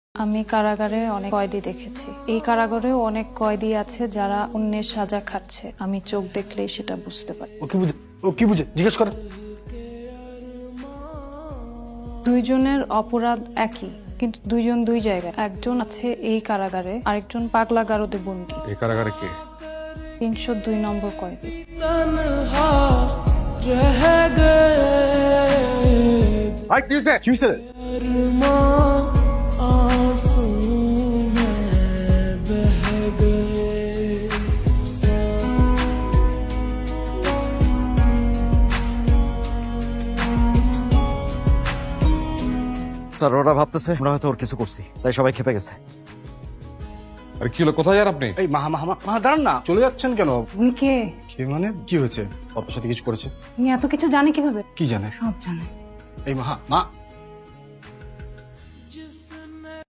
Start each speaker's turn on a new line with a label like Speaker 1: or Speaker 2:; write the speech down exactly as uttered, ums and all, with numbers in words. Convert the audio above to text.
Speaker 1: আমি কারাগারে অনেক কয়েদি দেখেছি। এই কারাগারেও অনেক কয়েদি আছে যারা অন্যের সাজা খাচ্ছে। আমি চোখ দেখলেই সেটা বুঝতে পারি।
Speaker 2: ও কি বুঝে ও কি বুঝে জিজ্ঞেস করেন।
Speaker 1: দুইজনের অপরাধ একই, কিন্তু দুইজন দুই জায়গায়। একজন আছে এই কারাগারে, আরেকজন পাগলা গারদে বন্দী।
Speaker 3: এই কারাগারে কে?
Speaker 1: তিনশো দুই নম্বর কয়েদি।
Speaker 2: ভাই কি হয়েছে? কি হয়েছে?
Speaker 4: স্যার ওরা ভাবতেছে আমরা হয়তো ওর কিছু করছি, তাই সবাই খেপে গেছে।
Speaker 3: আরে কি হলো, কোথায় যান আপনি?
Speaker 2: এই মাহা মাহা মাহা দাঁড়ান না, চলে যাচ্ছেন কেন?
Speaker 5: উনি কে?
Speaker 2: কি মানে কি হয়েছে? আপনার সাথে কিছু করেছে?
Speaker 5: উনি এত কিছু জানে কিভাবে?
Speaker 2: কি জানে?
Speaker 5: সব জানে।
Speaker 2: এই মাহা মা